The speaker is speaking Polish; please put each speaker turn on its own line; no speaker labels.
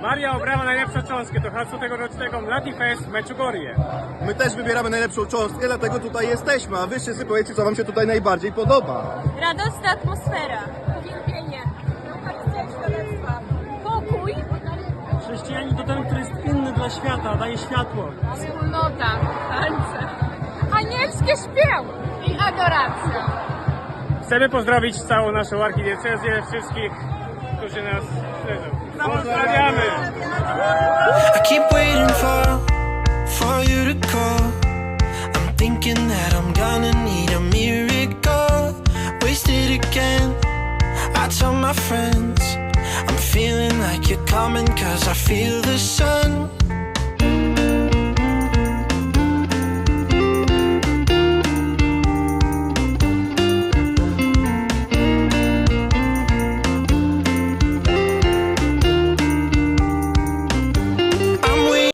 Maria obrała najlepszą cząstkę do hasła tegorocznego Mladi Fest w Meczugorie.
My też wybieramy najlepszą cząstkę, dlatego tutaj jesteśmy, a wy wszyscy powiedzcie, co wam się tutaj najbardziej podoba.
Radosna atmosfera, uwielbienie, harcerstwa, pokój,
Chrześcijanin to ten, który jest inny dla świata, daje światło.
wspólnota, tańce, anielskie śpiew i adoracja.
Chcemy pozdrowić całą naszą archidiecezję, wszystkich, którzy nas śledzą. Pozdrawiamy!
I keep waiting for you to call. I'm thinking that I'm gonna need a miracle. Wasted again. I tell my friends I'm feeling like you're coming, 'cause I feel the sun.